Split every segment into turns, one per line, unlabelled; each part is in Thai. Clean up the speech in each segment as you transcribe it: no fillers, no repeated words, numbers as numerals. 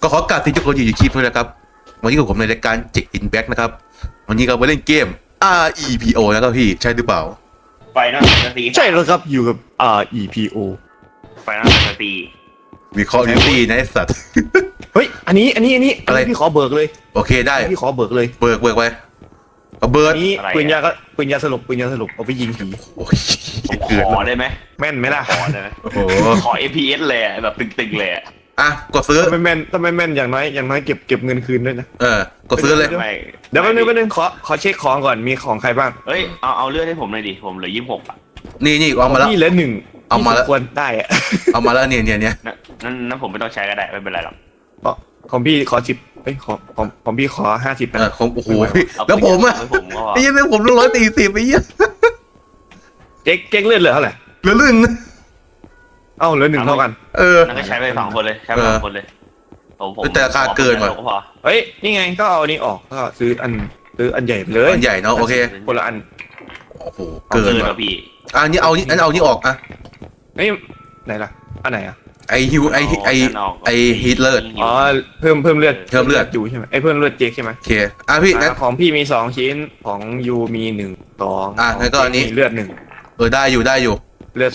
ขอกราบที่ทุกคนอยู่ในคลิปด้วยนะครับวันนี้กับผมในรายการเจ็กอินแบ็กนะครับวันนี้เรามาเล่นเกม REPO นะครับพี่ใช่หรือเปล่า
ไฟนอลแฟนตาซี
ใช่แล้วครับอยู่กับ REPO
ไฟนอลแฟนตาซี
วิเคราะห์ดิวตี้นะไอ้สัตว์
เฮ้ยอันนี้
อะไร
พี่ขอเบิกเลย
โอเคได้
พี่ขอเบิกเลย
เบิกไปเอาเบิร์
อั
ด
นนี้ปืนยาสลบเอาไปยิงผี
โอ้ย
ผม
เกิด
ขอได้ไหม
แม่นไหมล่ะ
ขอได้ไหม
โอ้โห
ขอ FPS เลยอะแบบตึงๆเลยอะ
อ่ะกดซื้อ
ถ้าไม่แม่นอย่างน้อยเก็บเงินคืนด้วยนะ
กดซื้อเลย
ไม่
เดี๋ยวแป๊บนึงขอเช็คของก่อนมีของใครบ้าง
เอ้ยเอาเลือดให้ผมหน่อยดิผมเหลือ26อ่ะ
นี่เอามาแล้ว
นี่เหลือหนึ่ง
เอามาแล้ว
ที่สควรได้อะ
เอามาแล้วเนี่ย
นั่นผมไม่ต้องใช้ก็ได้ไม่เป็นไรหรอก
ของพี่ขอ10ของพี่ขอ50นะ
ของโอ้โหพี่แล้วผมอะ
เอาผมก็พอ
ไอ้เหี้ยังผม140ไอ้เหี้ย
เจ๊กเลือดเหลือเท่าไหร่
เหลือลื่น
เอ้าเหลือหนึ่งเท่ากัน
นั่นก็ใช้ไป2คนเลยใช้ไป2คนเลยผม
แต่ราคาเกินว่ะ
ก็พอ
เฮ้ยนี่ไงก็เอาอันนี้ออกก็ซื้ออันใหญ่ไปเลย
มันใหญ่เนาะโอเค
คนละอัน
โอ้โหเกิน
ค
ว่ะ
รับพี่
อันนี้เอานี่ออกอะ
เฮ้ยไหนล่ะอันไหนอ่ะ
ไอฮิวไอฮีทเลอร์
อ๋อเพิ่มเลือด
เพิ่มเลือด
อยู่ใช่ไหมเพิ่มเลือดเจ๊กใช่ไหม
โอเคพี่งั้น
ของพี่มี2ชิ้นของยูมี1 2
งั้นก็อันนี้
มีเลือด1
ได้อยู่
เลือด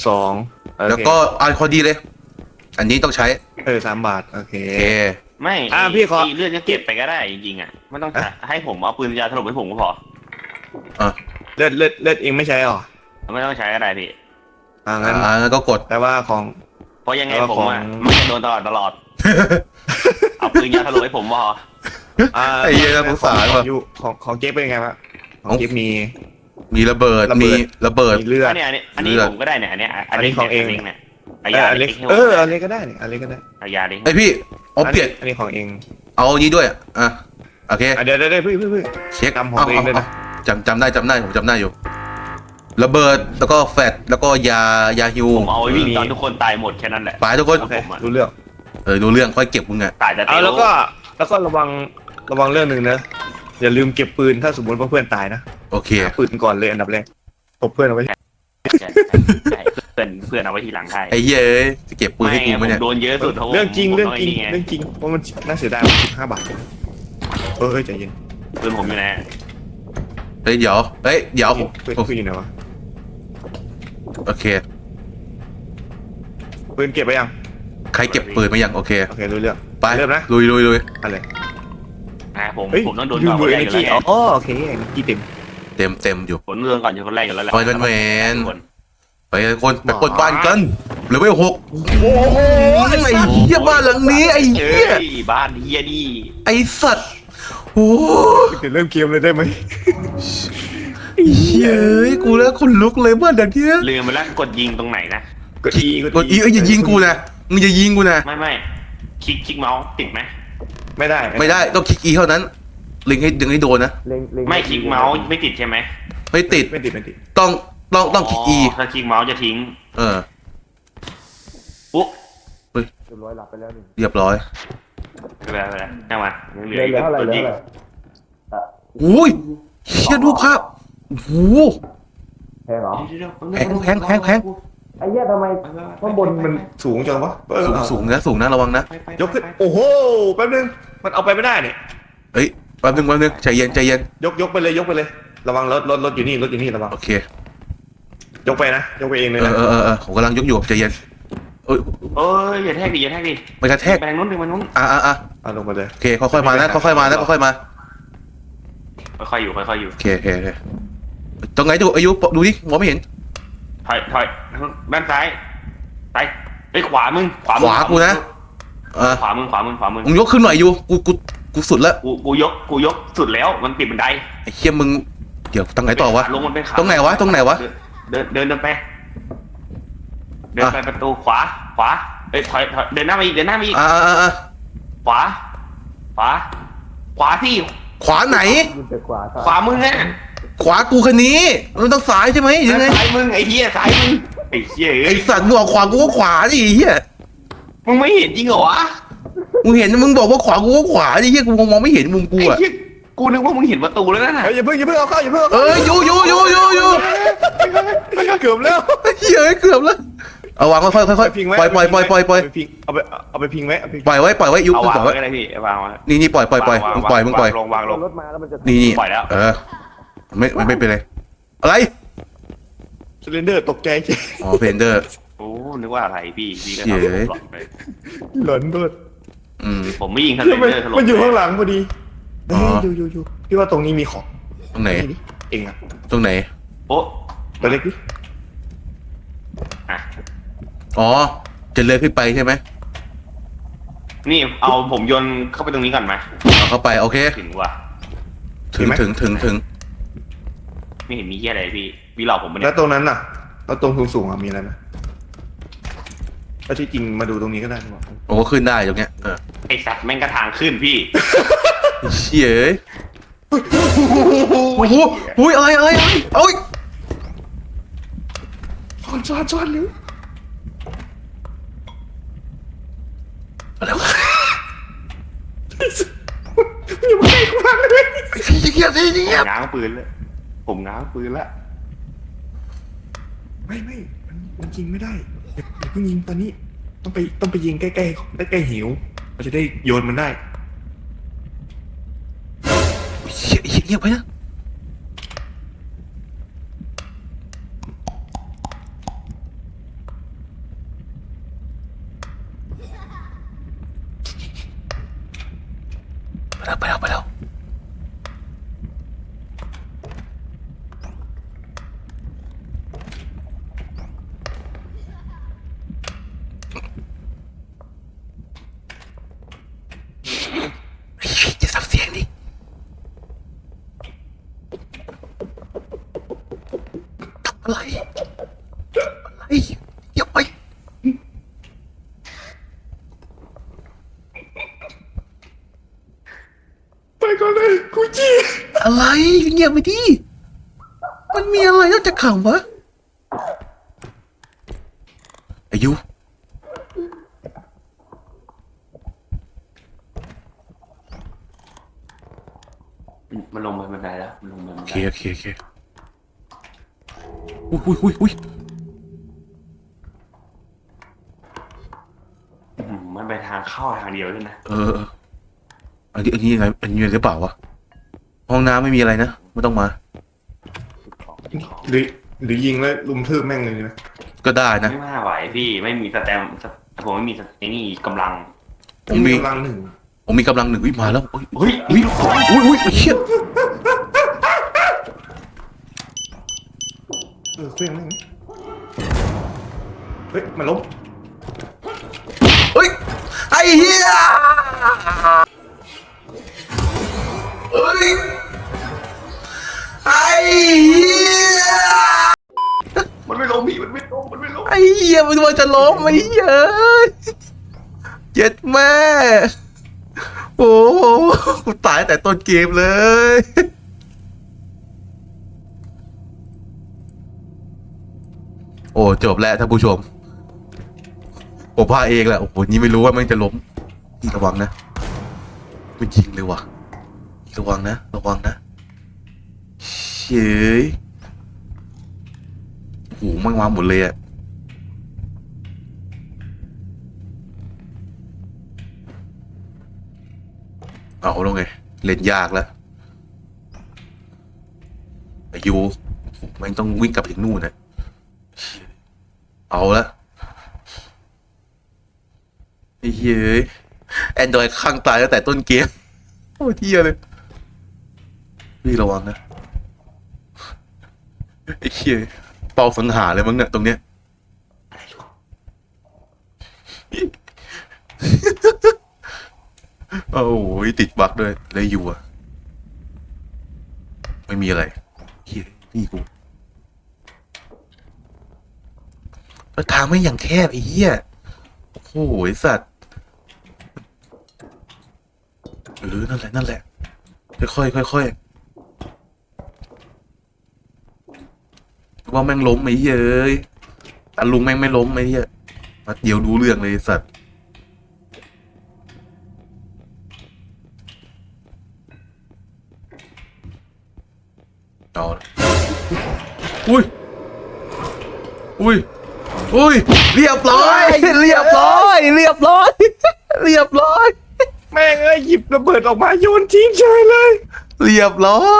2
แล้วก็พอดีเลย อันนี้ต้องใช้
3 บาทโอเค
โอเค
ไม่
พี่ขอ
เลือดจะเก็บไปก็ได้จริงๆอ่ะไม่ต้องให้ผมเอาปืนยาถล่มให้ผมก็พอ
เลือดเองไม่ใช่หรอ
ไม่ต้องใช้ก็ได้พี่
งั้น
งั้นก็กด
แต่ว่าของ
เพราะยังไง
แล้ว
ผม
ของ
อ่ะไม่จะโดนตลอดเอาปืนยาถล่มให้ผมพอ
ไอ้เหี้ยน่าสงสารว่ะ
ของเจ๊กเป็นไงวะของเจ๊กมี
มีระเบิดมีระเบิด
มีเลือด
อันนี้ผมก็ได้เนี่ยอันนี้
อันนี้ของเอง
เนี่ย
อั
ยาน
เล็ก
ให้ผม
อันเล็กก็ได้เนี่ยอันเล็กก็ได้
เอายาดิ
ไอพี่เอาเปลี่ยน
อันนี้ของเอง
เอานี้ด้วยโอเค
เดี๋ยวเพื่อ
เช็ค
จำของตัวเองด้วยนะ
จำได้ผมจำได้อยู่ ระเบิดแล้วก็แฟตแล้วก็ยาฮิว
ผมเอาไว้วิ่งตอนทุกคนตายหมดแค่นั้นแหละ
ไปทุกคน
โอเครู้เรื่อง
ดูเรื่องค่อยเก็บมึงอะ
ตายแต่เต
แล้วก็ระวังเรื่องหนึ่งนะอย่าลืมเก็บปืนถ้าสมมติว่าเพื่อนตายนะ
โอเค
ปืนก่อนเลยอันดับแรกตบเพื่อนเอาไว้
เพื่อนเอาไว้ทีหลังให้
ไอ้เหี้ยจะเก็บปืนให้กูไหมเนี่ย
โดนเยอะสุด
เรื่องจริงเพราะมันน่าเสียดายมัน15 บาทใจเย็น
ปืนผมอยู่ไหน
เดี๋ยว
ปืนอยู่ไหนวะ
โอเค
ปืนเก็บไปยัง
ใครเก็บปืนมายังโอเค
รู้เรื่อง
ไป
เริ่มนะ
ลุย
อะไร
ผมต้องโดน
ยู
ก่อน
บู
คน
เอ
แรก
เน
อยู่
จี
แล้ว
อ๋อโอเคกี่เต็ม
เต็มอยู่
ผมเรื่องก่อนอยู่คนแรกอยู่แล้วแหละ
ไปกันแมนไปคนไปกดบ้านกันเหลือไม่6โอ้โหไอ้เหี้ยบ้านหลังนี้ไอ้เหี้ย
บ้านเฮียดี
ไอ้สัตว์โอ้
เริ่มเกมเลยได้ไหม
เฮ้ยกูแล้วคนลุกเลยบ้านหลังเนี้ย
ลืมไปแล้วกดยิงตรงไหนนะ
กดอี
อย่ายิงกูนะมึงอย่ายิงกูนะ
ไม่คลิกเมาส์ติดไหม
ไม่ได้
ไม่ได้ต้องคลิกเท่านั้นเล็งให้ดึงให้โดนนะ
ไม่คลิกเมาส์ไม่ติดใช่ไหม
ไม่ติด
ไม่ติด
ต้องคลิก
ถ้าคลิกเมาส์จะทิ้งปุ๊บ
เรียบร้อยหลับไปแล้วหนึ่ง
เรียบร้อย
ไปแล้วจังหวะเหลือ
เหลือเท่าไหร่
กดยิง
อุ้ยเชี่ยดูภาพโอ้โห
แพงเหรอ
แพง
ไอ้เหี้ยทำไมข้างบนมันสูงจังวะ
สูงนะระวังนะ
ยกขึ้นโอ้โหแป๊บนึงมันเอาไปไม่ได้เนี่ย
เฮ้ยแป๊บนึงใจเย็น
ยกไปเลยระวังรถอยู่นี่ระวัง
โอเค
ยกไปเองเลยนะ
ผมกำลังยกอยู่ใจเย็นเอ้ย
เอ้ยอย่าแทกดิ
ไม่กระแทก
ไปทางนู้นไปทางนู้น
ลงมาเลย
โอเคค่อยๆมานะค่อยๆมา
ค่อยๆอยู่
โอเคตรงไหนดูอายุดูดิมองไม่เห็น
ถอยด้านซ้ายไปขวามึง
ขวากูนะ
ขวามึง
มึงยกขึ้นหน่อยอยู่กูสุดแล้ว
กูยกสุดแล้วมันปิดบันได
ไอ้เคี้ยมึงเดี๋ยวตรงไหนต่อวะ
ลงมันเป็นขา
ตรงไหนวะ
เดินไปประตูขวาเอ้ยถอยเดินหน้ามาอีกขวาที่
ขวาไหน
ขวามึงไง
ขวากูคันนี้มันต้องซ้ายใช่ไหมยังไง
ซ้ายมึงไอ้เหี้ยซ้ายมึงไอ้เหี้ย
ไอ้สัตว์มึงบอกขวากูก็ขวาดิเฮีย
มึงไม่เห็นจริงเหรอวะ
มึงเห็นมึงบอกว่าขวากูก็ขวาดิเฮียกูมองไม่เห็นมุมกู
ไอ้
อะ
เหี้ยกูนึกว่ามึงเห็นประตูแล้วนะ
อย่าเพิ่งเอาเข้า
อยู่
เกือบแล้ว
เอาวางค่อยๆค่อย
พิงไว้
ๆปล่อย
เอาไปพิงไว้เอาไป
ปล่อยไว้ยุบ
เอา
ป
วาง
ล่อยไว้
ไว้ก็ได้พี่วางไว้
นี่ปล่อยมึงปล่อย
วางลง
รถมาแล้วมันจะ
นี่
ปล่อยแล้ว
ไม่เป็นไรอะไร
ซิลินเดอร์ตกใจ
อ๋อเพนเดอร์
โอ้นึกว่าอะไรพี่ก็
เย้
ทำผมหลอนไป
หลอนด้วย
ผมไม่ยิงทะเล
แล้วมัน
เดอร์ถล่ม
มันอยู่ข้างหลังพอดี
อ๋อ
อยู่พี่ว่าตรงนี้มีของ
ตรงไหน
นี่เองอะ
ตรงไหน
โอ้
ตัวเล็กดิ
อ่ะ
อ๋อจะเลื่อนขึ้นไปใช่ไหม
นี่เอาผมโยนเข้าไปตรงนี้ก่อนไหม
เอาเข้าไปโอเค
ถึงว่ะ
ถึง
ไม่เห็นมีเหี้ยอะไรพี่หลอกผมมา
แล้
เนี่
วย ตรงนั้นน่ะแล้วตรงสูงๆอะมีอะไรไหมถ้าที่จริงมาดูตรงนี้ก็ได้บอก
โอ้ขึ้นได้ตรงเนี้ย
ไอสัตว์แม่งกระทางขึ้นพี่
เชี่ยโอ้โหอุ้ยอะไรโอ้ย
ซ้อนเร็ว
อะไรวะ
อย่ามาใกล้กูมากเลย
เงียบ
ง้างปืนแล้วผมง้างปืนแล้ว
ไม่มันยิงไม่ได้อย่าเพิ่งยิงตอนนี้ต้องไปยิงใกล้หิวเราจะได้โยนมันได้
เงียบไปนะไปแล้วจะสับเสียงดิอะไรอย่าไป
ไปก่อนเลยกูจี้
อะไรเงียบไปดิมันมีอะไรนอกจากข่าววะอายุ
มันลงไปบันไดแล้วมันลงไปบัน
โอ
ได
เคอุ้ย
มันไปทางเข้าทางเดียวด้วยนะ
อันนี้ยังไงอันนี้หรือเปล่าวะห้องน้ำไม่มีอะไรนะไม่ต้องมา
หรือยิงแล้วลุมทืบแม่งเลยนะ
ก็ได้นะ
ไม่น่าไหวพี่ไม่มีสแตมผมไม่มีไอ้นี่กำลัง
ผมมี
กำลังหนึ่ง
ผมมีกำลังหนึ่งวิมาแล้วอุ้ย
เฮ้ย
เชี่ย
เครื่องแม่งเฮ้ยมันล้ม
เฮ้ยไอ้เหี้ยเฮ้ยไอ้เหี้ย
มันไม่ล้มพี่มันไม่ล้ม
ไอ้เหี้ยมันว่าจะล้มไอ้เหี้ยเจ็ดแม่โอ้โหกูตายแต่ต้นเกมเลยโอ้จบแล้วท่านผู้ชมผมพาเองแหละโอ้โหนี่ไม่รู้ว่ามันจะล้มนี่ระวังนะมันยิงเลยว่ะระวังนะเฉยโอ้โหมันมาหมดเลยอะเอาแล้วไงเล่นยากแล้วอายุมันต้องวิ่งกลับถึงนู่นนะเอาละไอ้เหี้ยแอนดรอยข้างตายตั้งแต่ต้นเกมโอ้เที่ยเลยพี่ระวังนะไอ้เหี้ยเป่าสังหารเลยมั้งเนี่ยตรงเนี้ยโอ้โหติดบั๊กด้วยเลยอยู่อะไม่มีอะไรเหี้ยนี่กูแล้วทางไม่อย่างแคบไอ้เหี้ยโอ้โหไอ้สัตว์นั่นแหละค่อยว่าแม่งล้มไอ้เหี้ยเอ้ยแต่ลุงแม่งไม่ล้มไอ้เหี้ยมาเดี๋ยวดูเรื่องเลยไอ้สัตว์เอาละอุ้ยอุ้ยเรียบร้อยเรียบร้อยเรียบร้อยเรียบร้อย
แม่งเอ้ยหยิบระเบิดออกมาโยนทิ้งเฉยเลย
เรียบร้อย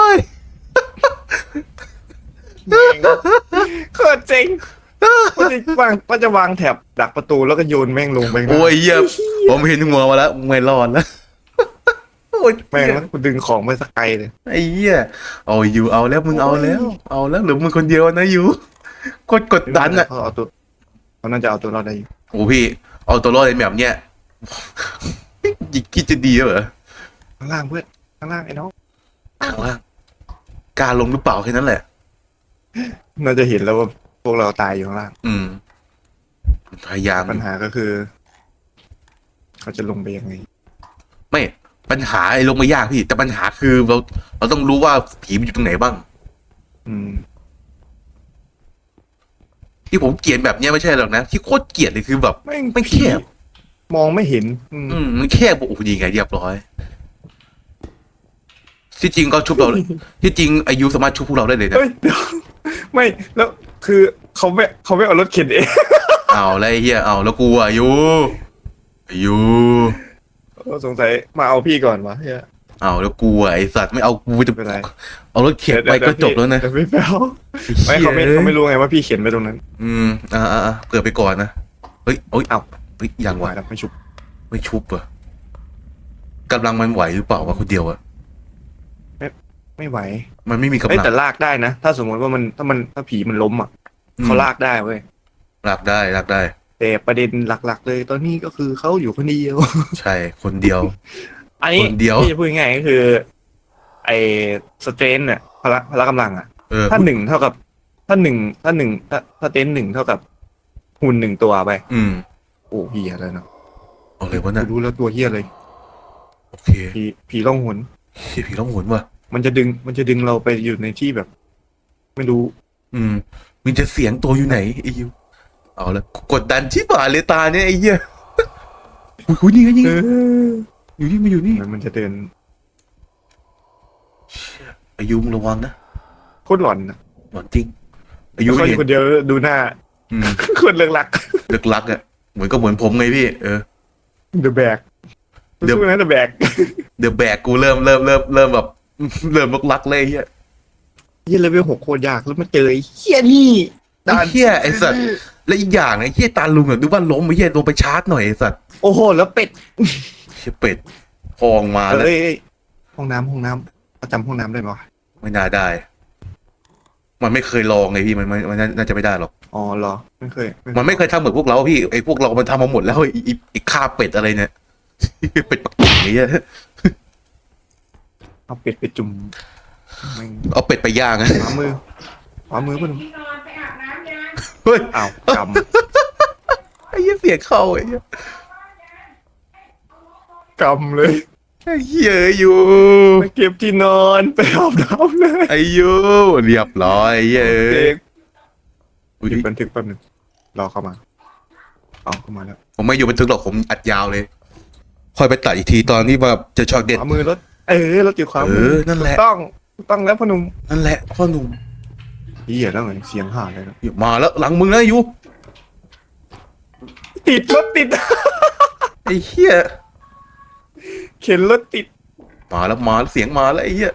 แม่งโคตรเจ๋งว่าจะวางแถบดักประตูแล้วก็โยนแม่งลงไปข้างหน้า
โอ้ยเหี้ยผมเห็นหัวมาแล้วไม่รอดแล้วโอ้ย
แม่งแล้วกูดึงของไปสักไกลเลย
ไอ้เหี้ยเอาอยู่เอาแล้วมึงเอาแล้วเอาแล้วเหรือมึงคนเดียวนะอยู่โคตรกดดันอ่ะ
เขาน่าจะเอาตัวรอดได้อยู่
โอ้พี่เอาตัวรอดในแบบเนี้ยคิดจะดีเหรอ
ข้างล่างเพื่อนข้างล่างไอ้น้อง
ข้างล่างกล้าลงหรือเปล่าแค่นั้นแหละ
น่าจะเห็นแล้วว่าพวกเราตายอยู่ข้างล่าง
พยายาม
ปัญหาก็คือ เขาจะลงไปยังไง
ไม่ปัญหาไอ้ลงไม่ยากพี่ แต่ปัญหาคือเราต้องรู้ว่าผีมันอยู่ตรงไหนบ้าง
อืม
ที่ผมเกลียดแบบเนี้ยไม่ใช่หรอกนะที่โคตรเกลียดเลยคือแบบ
แม่ง
ไม่แคบ
มองไม่เห็น
มันแคบโอ้โหยิงไงเรียบร้อยที่จริงก็ชุบเราที่จริงอายุสามารถชุบพวกเราได้เลยนะ
เฮ้ยเดี๋ยวไม่แล้วคือเขาไม่เอารถเข็นเอง
เอาแล้วไอ้เฮียเอาแล้วกูอายุ
สงสัยมาเอาพี่ก่อนวะเฮีย
เอาแล้วกูไอสัตว์ไม่เอากูจะ
ไม่เป็นไร
เอารถเข็นไปก็จบแล้วนะ
เดี๋ยวพี่แป๊วไม่เขาไม่รู้ไงว่าพี่เขียนไปตรงนั้น
เกิดไปก่อนนะเฮ้ยเอ้าเฮ้ยยัง
ไหว
วะ
แล้วไม่ชุบ
ไม่ชุบเหรอะกำลังมันไหวหรือเปล่าวะคนเดียวอะ
ไม่ไหว
มันไม่มีกำ
เอ้ย
ลัง
แต่ลากได้นะถ้าสมมติว่าถ้าผีมันล้มอ่ะเขาลากได้เว้ย
ลากได้ลากได้
แต่ประเด็นหลักๆ เลยตอนนี้ก็คือเขาอยู่คนเดียว
ใช่คนเดียว
อันนี้
คนเดียว
ที่จะพูดง่ายๆก็คือ ไอ้สเตรนเนี่ยพละกำลังอ่ะ ถ้าหนึ่งเท่ากับถ้าเตนหนึ่งเท่ากับหุ่นหนึ่งตัวไป โอ้เฮียแล้วเนาะ
เอาเลยวะน่ะ
รู้แล้วตัวเฮียเลย
โอเค
ผีล่องหน
ผีร้องหนว่ะ
มันจะดึงเราไปอยู่ในที่แบบ ไม่รู้
มึงจะเสียงตัวอยู่ไหนไอ้ยูเอาละกดดันชิบหายเลยตาเนี่ยไอ้เหี้ยอุ้ยนี่ไงนี่ไงอยู่นี่มาอยู่นี่
มันจะเดิน
อายุมึงระวังนะ
โคตรหลอนนะ
หลอนจริงอายุ
เขาอ
เห็
ยู่
น
คนเดียวดูหน้า คนเลือกหลัก
เลิกลักอ่ะเหมือนเหมือนผมไงพี่
The Bag
เดี๋ยว
สู้นะ The Bag
เดี๋ยวแบกกูเริ่มแบบ เริ่มเลิกลักเลยไอ้เหี้ย
เฮียเลเวล 6โคตรยากแล้วมาเจอไอ้เฮียนี่
ไอ้เหี้ยไอ้สัตว์และอีกอย่างไอ้เหี้ยตาลุงอ่ะดูว่าล้มไอ้เหี้ยลงไปชาร์จหน่อยไอ้สัตว์
โอ้โหแล้วเป็ด
เชี่ยเป็ดพองมาแล้ว
เอ้ยห้องน้ำประจำห้องน้ำได้ไหมวะ
ไม่น่าได้ มันไม่เคยลองไงพี่มันน่าจะไม่ได้หรอก
อ๋อเหรอไม่เคย
มันไม่เคยทำเหมือนพวกเราพี่ไอ้พวกเรามันทำมาหมดแล้วไอ้ข้าเป็ดอะไรเนี่ย เป็ดปักกิ่งนี่
เอาเป็ดไปจุ่มแม่ง
เอาเป็ดไปย่างอะ
ขวามือป่ะหนุ่ม
ที่นอนไปอาบน้ำยัง
เฮ้ย
อ้าวก
ไอ้เหี้ยเสียงเข้าไอ้เหี้ย
ำกำเลย
ไอ้เหี้ยอยู่
ไปเก็บที่นอนไปอาบน้ำเลย
ไอ้ยูเรียบร้อยไอ้เหี้ย
เด็ก
อุ๊ย
หยุดบันทึกแป๊บหนึงรอเข้ามาเอาเข้ามาแล้ว
ผมไม่อยู่บันทึกหรอกผมอัดยาวเลย ค่อยไปตัดอีกทีตอนที่ว่าจะช็อตเด็ด
ขวามือรถรถอยู่ขวา
เอ
มื
อนั่นแหละ
ต้องแล้วพ่อหนุ่ม
นั่นแหละพ่อหนุ่ม
เหี้ยแล้วไงเสียงห่าเลยนะ
มาแล้วหลังมึงนะยู
ติดรถติด
ไอ้เหี้ย
เข็นรถติด
มาแล้วเสียงมาแล้วไอ้เหี้ย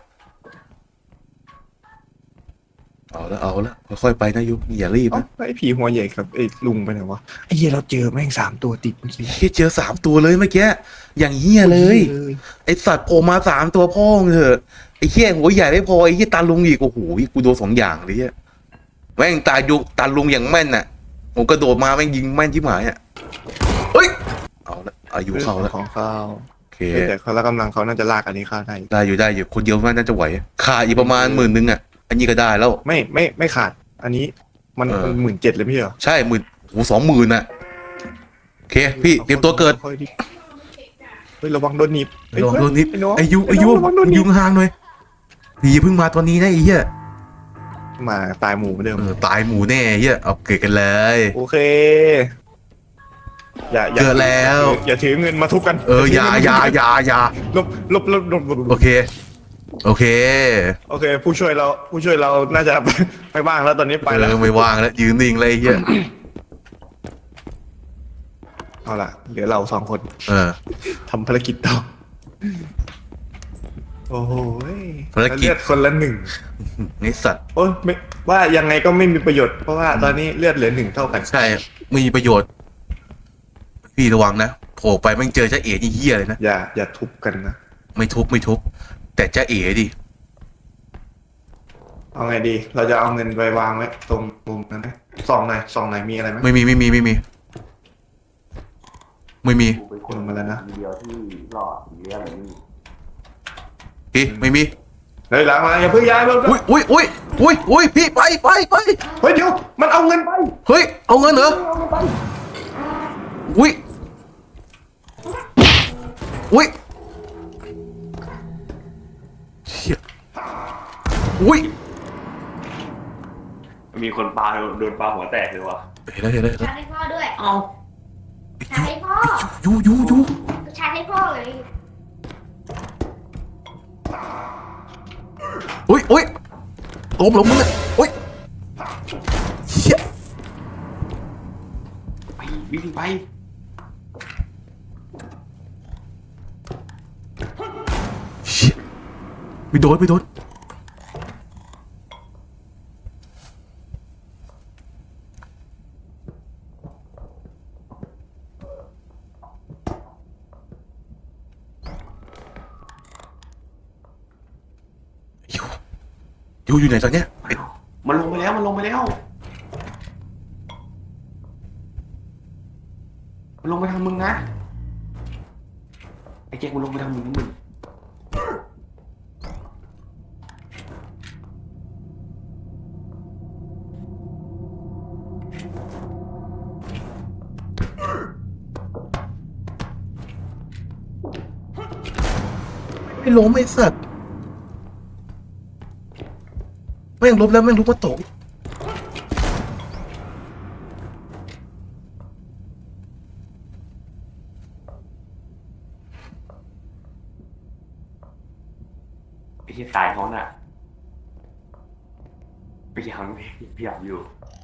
เอาละค่อยๆไปนะยูอย่ารีบ
เอ้า
นะ
ไอ้ผีหัวใหญ่กับไอ้ลุงไปไหนวะไอ้เหี้ยเราเจอแม่ง3 ตัวติดเมื่อกี้
เฮียเจอ3 ตัวเลยเมื่อกี้อย่างเหี้ยเลย ไอสัตว์โผล่มา3 ตัวพ่อมึงเถอะไอเหี้ยหัวใหญ่ไม่พอไอเหี้ยตาลุงอีกโอ้โหกูโดน2 อย่างเลยเหี้ยแม่งตาลุงอย่างแม่นน่ะผมกระโดดมาแม่งยิงแม่นที่หมายอ่ะเฮ้ยเอาละอายุเข้าแล้ว
ของข้าว
โอเค
แต่เขาละกำลังเขาน่าจะลากอันนี้ข้าได้
ได้อยู่คนเดียวน่าจะไหวขาดอีกประมาณ10,000อ่ะอันนี้ก็ได้แล้ว
ไม่ขาด อันนี้มัน 17,000เลยไม่ใช่เหรอ
ใช่โอ้โห20,000อ่ะโอเคพี่เตรียมตัวเกิด
ค่อยๆดิเฮ้ยระวังโดนหนีบเฮ้ย
ลองโดนนิด
ไอ้น้อง
ไอายุ
ระวังโดนหนี
ยุ
บ
งห่างหน่อยอย่าเพิ่งมาตอนนี้นะไอ้เหี้ย
มาตายหมู่เหมือนเดิม
ตายหมูแน่เฮียเอาเกิดกันเลย
โอเค อย่า
เกิดแล้ว
อย่าถือเงินมาทุบกัน
อย่า
ลบ
โอเคโอเค
ผู้ช่วยเราน่าจะ ไปบ้างแล้วตอนนี้ไปแล้ว
ไม่ว่างแล้วยืนนิ่งเลยเฮีย
เอาละเหลือเราสองคน
เออ
ทำภารกิจต่อโอ้โห
ภารกิจ
เลือดคนละหนึ่ง
นี่สัตว์
โอ้ยไม่ว่ายังไงก็ไม่มีประโยชน์เพราะว่าตอนนี้เลือดเหลือหนึ่งเท่ากัน
ใช่มีประโยชน์ พี่ระวังนะโผล่ไปแม่งเจอจ้าเอ๋นี่เหี้ยเลยนะ
อย่าทุบกันนะ
ไม่ทุบแต่จ้าเอ๋ดิ
เอาไงดี เราจะเอาเงินไปวางไว้ตรงมุมนั้นไหมซองไหนมีอะไรไหม
ไม่มี
ลงมาแล้วนะ
เดียวที่รอดเรียกอะไรนี่
พี่ไม่มี
เฮ้ยหลังมาอย่าเพิ่งย้ายเพิ่ง
อุ้ยพี่ไป
เฮ้ยเดี๋ยวมันเอาเงินไป
เฮ้ยเอาเงินเหรออุ้ยเชี่ยอุ้ย
มีคนปาโดนปาหัวแตกเลยวะ
เห็นแล้ว
ชาร์จให้พ่อด้วย
เอา
ชาร์จให้พ่อ
ยู
ชาร์จให้พ่อเลย
อุ้ยล้มมึงอ่ะอุ้ยเชี่ย
ไปวิ่งไป
เชี่ยไม่โดนยูอยู่ไหนตอนเนี้ย
มันลงไปแล้วมันลงไปแล้วมันลงไปทางมึงนะไอ้แจ็คมันลงไปทางมึง
ไม่ล้มไอ้สัตว์แม่งล้มแล้วแม่งลุกมาตก
ไอ้ที่ตายเขาน่ะพยายามอยู่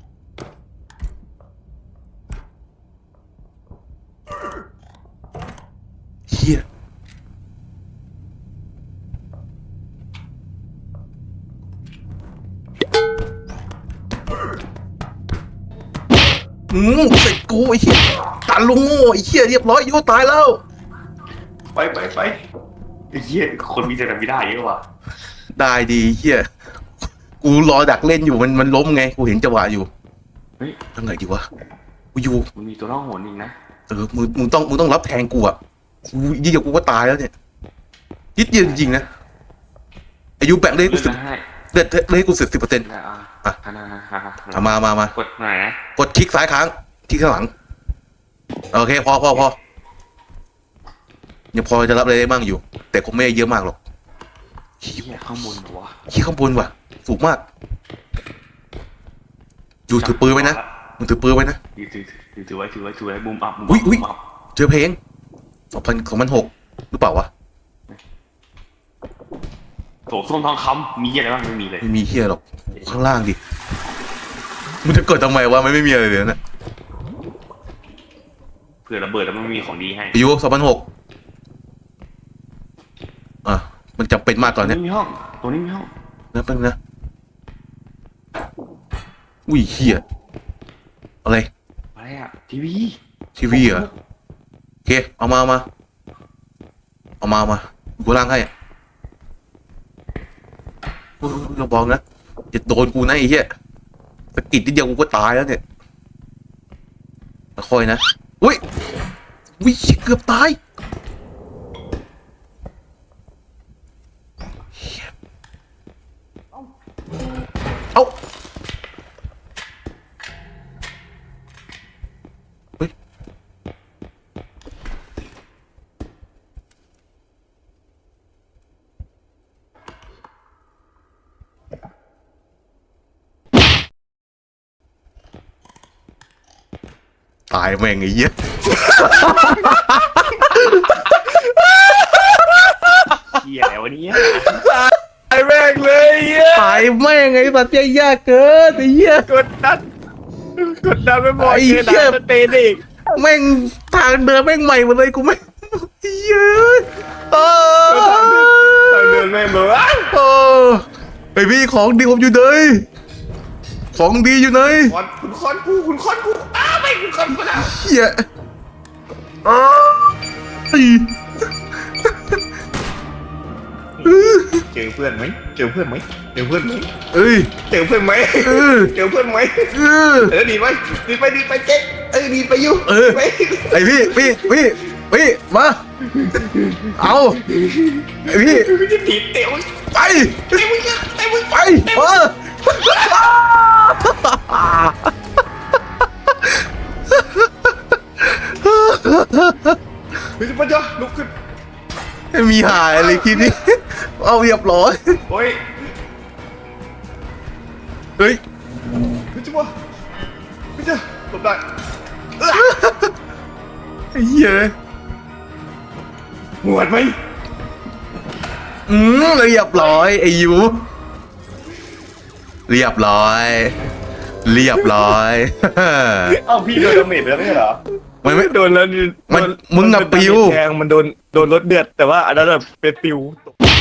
เฮียเสร็จกูไอ้เหี้ยตาลุงโง่ไอ้เหี้ยเรียบร้อยยูตายแล้ว
ไปไอ้เหี้ยคนมีแต่ทำไม่ได้เยอะว่ะ
ได้ดีเหี้ยกูรอดักเล่นอยู่มันล้มไงกูเห็นจังหวะอยู่
เฮ้ย
ทำไงดีวะกูอยู่
มันมีตัวน้องโหนอีกนะ
มึงต้องรับแทงกูอ่ะกูยี่เดียวกูก็ตายแล้วเนี่ยยิดเดียวจริงๆนะอายุแบ่งเลยกูสิบ
ให้
เลยกู10%
อ่ะ
มาก
ดหน่อยนะ
กดคลิกซ้ายค้างคลิกข้างหลังโอเคพอยังพอจะรับอะไรได้บ้างอยู่ แต่คงไม่ได้เยอะมากหรอก
เหี้ยข้างบนหัว
ขี้ข้างบนว่ะสูงมากอยู่ถือปืนไว้นะมึงถือปืนไว้นะ
ถือไว้บุมอัพ
อุ๊ย เจอเพลง2006หรือเปล่าวะ
โถส้มทองคำมีอะไรบ้างไม่มีเลย
ไม่มีเฮียหรอกข้างล่างดิมึงจะกดทำไมวะมันไม่มีอะไรเลยนะ
เผื่อระเบิดแล้วมันมีของดีให้
อายุ2006อ่ะมันจำเป็นมากตอนเนี้ย
มีห้องตัวนี้มีห้อง
นะเป็นนะอุ้ยเฮียอะไร
อะไรอ่ะทีวี
ทีวีเหรอโอเคเอามากูล่างให้เราบอกนะอย่าโดนกูนะไอ้เหี้ยสะกิดนิดเดียวกูก็ตายแล้วเนี่ยค่อยนะอุ้ยเกือบตายเหี้ยเอาเฮ้ยตายแม่งไอ้เหี้ย
เหี้ยอะไรวะเนี่ย
ไอ้แม่งเลยเหี้ย
ตายแม่งไอ้สัตว์ยากเกินไอ้เหี้ย
กดดันไปหมด
ไอ้เหี้
เจ
ย
อด่าสเตนอีก
แม่งตทางเดินแม่งใหม่หมดเลยกูไม่เย้ยเออ
ทางเดินแม่งแบบอ้าว
เออไอพี่ของดีผมอยู่ไหนของดีอยู่ไหน
คุณคอนกูอ้าวไม่คุณคอนกูแล้ว
เฮียอ้าวไอ้
เจอเพื่อนไหมเจอเพื่อนไหมเจอเพื่อนไหม
เอ้ย
เจอเพื่อนไหม
เออ
เจอเพื่อนไหม
เออ
ดีไหมดีไปเจ๊ดีไปอยู่
เออ
ไป
ไอพี่มาเอาไอพี่
ไม่จะถีบเตะมึง
ไป
เตะมึงเตะมึง
ไปเออ
ไม่จะปัญญาลุกขึ้น
ไม่มีหายอะไรคลิปนี้เอาเรียบร้อย
โอ้ย
เฮ้ย
ไม่จะว่าไม่จะหลบได้
ไอ้เหี้ย
หวดไหม
เรียบร้อยไอ้ยูเรียบร้อย เรียบร้อย
เอ้าพี่โดนดาเมจไปแล้วไม่ใช่เหรอ
มันไม่
โดนแล้ว
มันมึงอะปิว
แทงมันโดนรถเดือดแต่ว่าอันนั้นแบบเป็นปิว